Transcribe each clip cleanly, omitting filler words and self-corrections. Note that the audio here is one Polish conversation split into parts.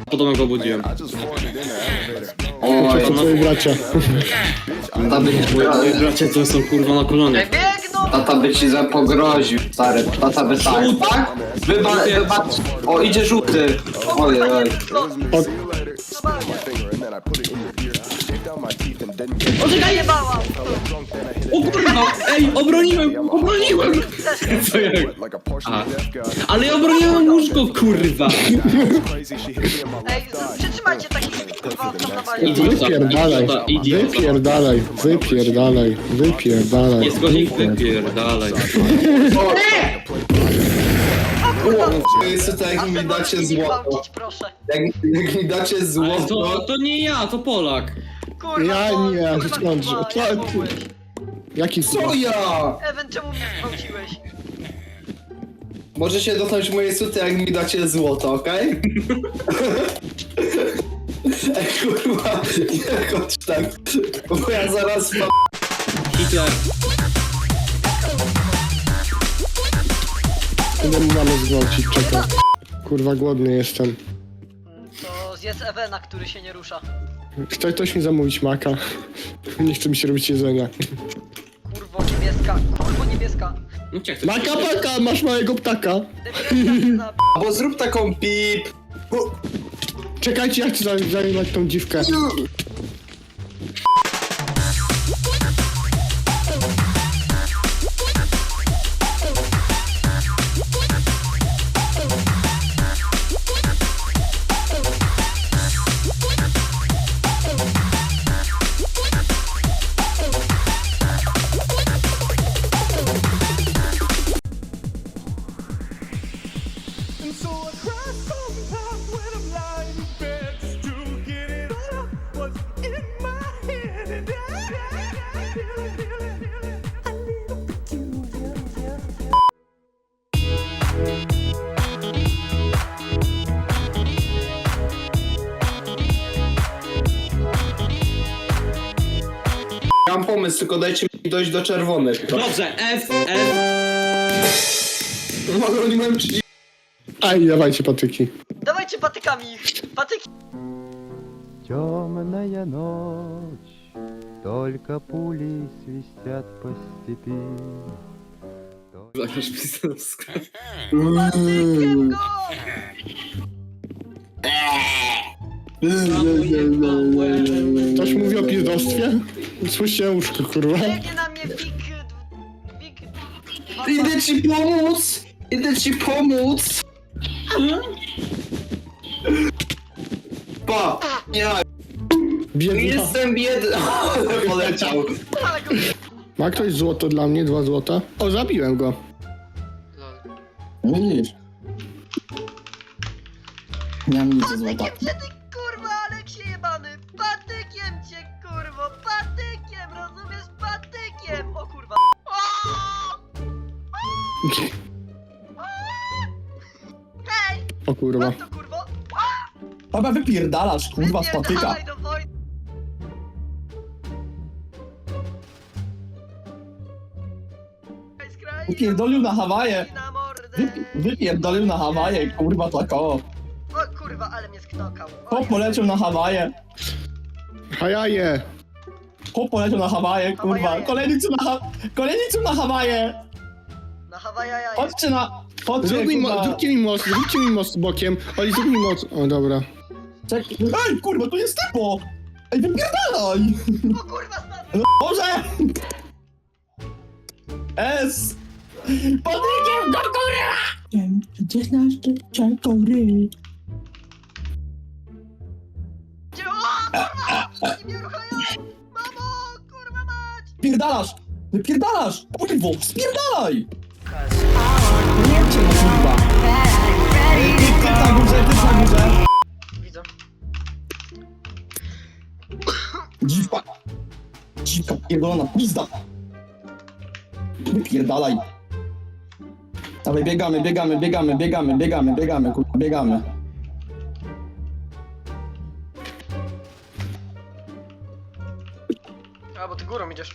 Podobno go obudziłem. Oj, To twoi bracia. Moi bracia to są kurwa na kolonie. Biegną! tata by ci zapogroził, stary. Tata by tak? Wybacz. O, idzie żółty. Oj, oj. Zajebałam! O kurwa! Ej, obroniłem! Co jak? Aha. Ale ja obroniłem łóżko, kurwa! Ej, przytrzymajcie takich kurwa tam na bali. Wypierdalaj. Wypierdalaj. Wypierdalaj. Wypierdalaj. Jest godzin, wypierdalaj. Jest to jak mi dacie złoto. Gwałcić, proszę. Jak mi dacie Ale złoto. to nie ja, to Polak. Kurwa, Ja bo- nie, kurwa, skąd? kurwa, Co jak ty? mogłeś? Jaki Co ja? Ewen, czemu mnie zgwałciłeś? Możecie dotknąć moje suty, jak mi dacie złoto, okej? Ej, kurwa, nie chodź tak. Bo ja zaraz mam... Hitler. Idę mu mamy zgwałcić, czekaj. Kurwa, głodny jestem. To zjedz Ewena, który się nie rusza. Chce ktoś mi zamówić maka? Nie chce mi się robić jedzenia. Kurwo niebieska, kurwo niebieska. No cię chcę. Maka, paka, masz małego ptaka. Debilka, Bo zrób taką pip. Czekajcie, ja chcę zajmować tą dziwkę. And so I cry sometimes when I'm lying in bed just to get it out what's in my head. And I feel it, a little peculiar. Ja mam pomysł, tylko dajcie mi dojść do czerwonych. Dobrze, F. No, oni mają 30. Aj, dawajcie patyki. Dawajcie patykami ich. Patyki. Темная ночь, только пули свистят по степи. Zamiast pisarska. Patykiem go! Ktoś mówi o pizdostwie? Słyszę łóżko, kurwa. Biegnie na mnie Wik... Idę ci pomóc! Idę ci pomóc! Pa! Ja Biedna. jestem biedny! Ale poleciał! Ale go... Ma ktoś złoto dla mnie? 2 złota? O, zabiłem go. Widzisz? Nie mam nic Patykiem cię ty kurwa, Aleksie jebany! Patykiem cię kurwo! Patykiem! Rozumiesz? Patykiem! O kurwa! Hej! O kurwa. Mam to kurwo! Chyba wypierdalasz, kurwa, z patyka. Wypierdalaj do wojny! Wypierdolił na Hawaje. Na mordę! Wypierdolił na Hawaje, kurwa, tak o. O kurwa, ale mnie sknokał! Chłop poleciał na Hawaje. Hajaje. Chłop poleciał na Hawaje, kurwa. Hawaje. Kolejny co na Hawaje. Na Hawaja jaja! Chodźcie na... Chodźcie, Zróbcie mi most bokiem. Oli, zrób mi most. O, dobra. Ej, kurwa, tu jest typo. Ej, wypierdalaj. O kurwa, spadł! Boże! S! Patykiem go, kurwa! Gdzie znasz ty czekory? Gdzie? O kurwa! Oni mnie ruchają! Mamo! Kurwa mać! Pierdalasz! Wypierdalasz! Kurwo, spierdalaj! Nie cię, kurwa! Typ na górze, typ na górze! Widzę. Dziwka! Dziwka pierdolona, pizda! Wypierdalaj! Dawaj, biegamy, kurwa, biegamy. A, bo ty górą idziesz.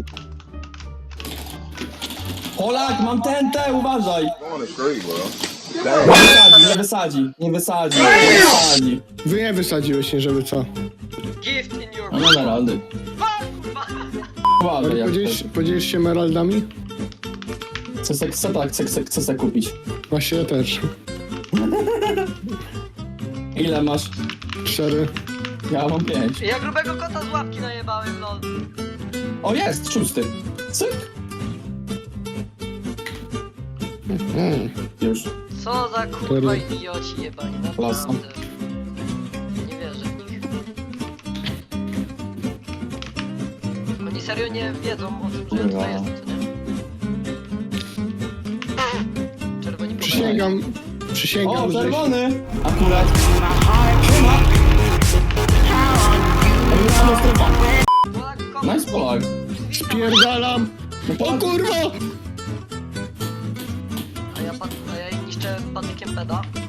Polak, mam TNT, uważaj! Nie wysadzi, nie wysadzi, nie wysadzi. Wy nie wysadziłeś, nie żeby co. Gift in your No emeraldy. kurwa. Uważaj, jak Podzielisz się emeraldami? chcę se kupić. Właśnie ja też. Ile masz? 4. Ja mam 5. Ja grubego kota z łapki najebałem, lol. O, jest, 6. Cyk. Już. Co za kurwa idioci jebani, naprawdę. Nie wierzę w nich. Oni serio nie wiedzą o tym, że ja tutaj jestem, co nie? Czerwoni Przysięgam, O, że... czerwony! Akurat. Siema! Emeralda strefa. Nice Polak. Spierdalam! No O kurwa! A ja niszczę patykiem peda.